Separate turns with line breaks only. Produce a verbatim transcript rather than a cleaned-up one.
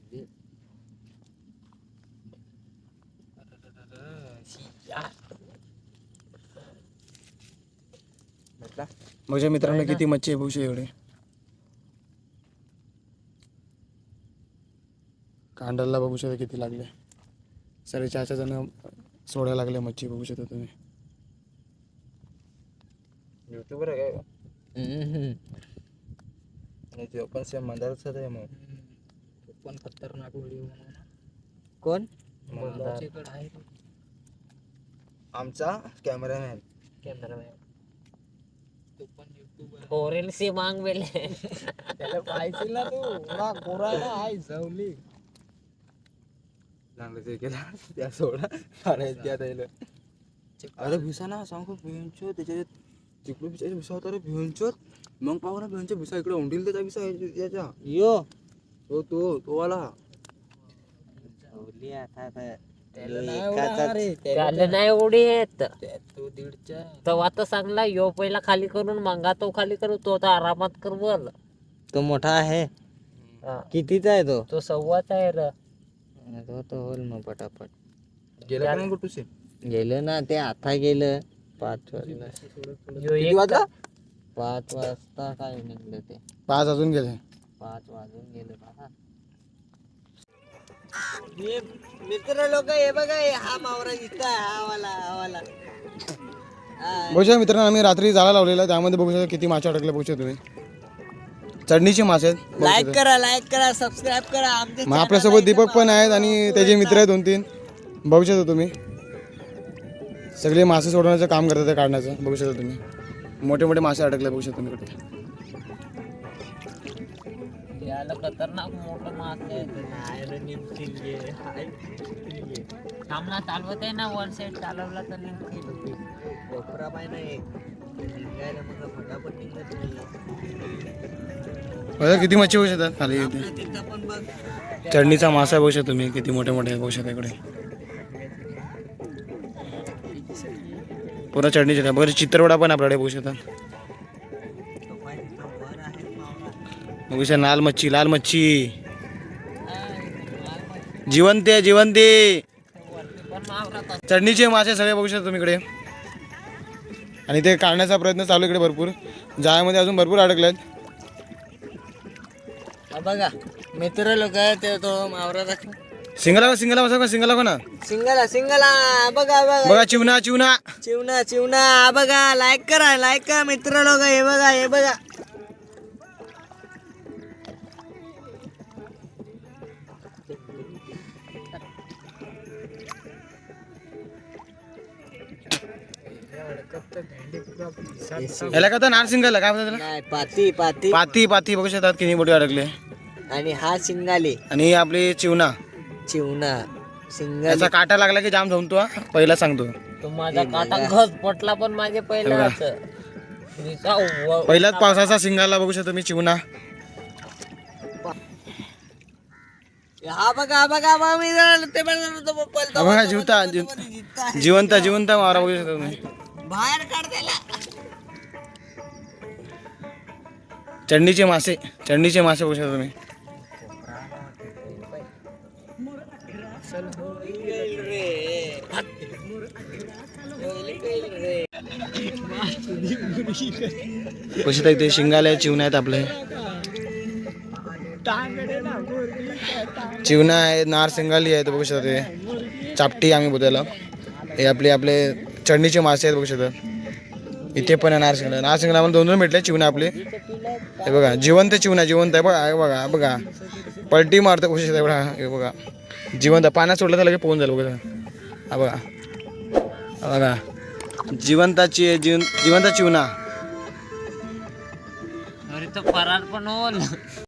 माझ्या मित्रांना किती मच्छी आहे बघू एवढे. कांडलला बघू शकता किती लागले. साडे चारच्या जण सोडायला लागले मच्छी बघू शकता तुम्ही.
युट्यूबर आहे काय? ते पण सेम मंदारच आहे मग. पण खतरनाक व्हिडिओ कोण आमचा कॅमेरामॅन. कॅमेरामॅन तो पण युट्यूबर.
ओरेल से मांग बेले
त्याला पाहिजे ना तू ना कोरायला आहे जावली. चांगलं ते केला त्या सोडा अरे त्या द्यायला. अरे भिसा ना सांगू भिंचो त्याच्या तिकडे भिसा भिसा होता रे भिंचो. मग पाहू ना भिंचो भिसा इकडे उंडील त्याचा भिसा याच्या यो तो तो तो वाला जावली आता
त्याला नाही उडी येत
तो दीडच्या
तेव्हा तर चांगला यो पहिला खाली करून मंगा तो खाली करू तो तर आरामात कर बोल.
तो मोठा आहे.
हा.
कितीचा आहे तो?
तो सव्वाच आहे र.
तो तो होल मग पटापट गेला का कुठे गेलं ना ते आता गेलं पाच वाजता.
यो एक
वाजता पाच वाजता काय निघलं ते
पाच अजून गेले.
पाच वाजून गेले बाबा. मित्र लोक हे बघा हा मावरा दिसतोय हा वाला हा वाला.
बघू शकता मित्रांनो आम्ही रात्री जाळा लावलेला त्यामध्ये बघू शकता किती मासे अडकले बघू शकता तुम्ही. चढणीचे मासे आहेत.
लाईक करा लाईक करा सबस्क्राईब करा आमचे.
मग आपल्यासोबत दीपक पण आहेत आणि त्याचे मित्र आहेत दोन तीन. बघू शकता तुम्ही सगळे मासे सोडवण्याचं काम करतात ते काढण्याचं. बघू शकता तुम्ही मोठे मोठे मासे अडकले बघू शकता तुम्ही कुठे.
याला खतरनाक मोठं मासे सामना चालवत आहे ना वन साईड चालवला तर निघतील.
कोपरा पाय नाही निघायला मग फटाफट निघत
बघा किती मच्छी बघू शकतात खाली इथे.
तिथं पण बघ
चढणीचा मासा बघू शकता तुम्ही किती मोठे मोठे बघू शकता इकडे. पुन्हा चढणीचे बघा चित्रवडा पण आपल्याकडे बघू शकता. बघू शकता लाल मच्छी लाल मच्छी जिवंत आहे जिवंत आहे. चढणीचे मासे सगळे बघू शकता तुम्ही इकडे. आणि ते काढण्याचा प्रयत्न चालू इकडे भरपूर. जाळ्यामध्ये अजून भरपूर अडकले आहेत.
बघा मित्र लोक ते तो मावरा दाखव.
सिंगला सिंगला बसा सिंगला कोणा
सिंगला सिंगला बघा बघा
बघा चिवना चिवना
चिवना चिवना बघा. लाईक करा लाईक करा मित्र लोक हे बघा हे बघा.
याला का नार सिंगला काय म्हणतात
नाही पाती पाती
पाती पाती बघू शकतात किती मोठे अडकले.
आणि हा सिंगाली
आणि आपली चिवना
चिवना सिंगाली.
याचा काटा लागला की जाम जमतो. पहिला सांगतो
तो माझा काटा घस पटला पण माझे पहिला
पहिल्याच पावसाचा सिंगाला बघू शकतो मी चिवना.
हा बघा बघा बघा मी ते
बघा जीवता जिवंत जिवंत मारा बघू शकतो तुम्ही.
बाहेर काढ त्याला.
चढणीचे मासे चढणीचे मासे बघू शकतो तुम्ही. बघू शकता इथे शिंगाले चिवणा आहेत आपले. चिवणा आहे नार सिंगाली आहे बघू शकता. ते चापटी आम्ही बोलायला हे आपले आपले चढणीचे मासे आहेत बघू शकता. इथे पण आहे नार सिंगला. नार सिंगला आम्हाला दोन दोन भेटले चिवणा आपले. हे बघा जिवंत चिवणा जिवंत आहे बघा. बघा बघा पलटी मारतं बघू शकता. बघा हे बघा जिवंत पाण्यात सोडलं तर लगेच पोहून झालं बघा. हा बघा हा बघा जिवंताची जिवंत चिवणा.
अरे तो फरार पण होल.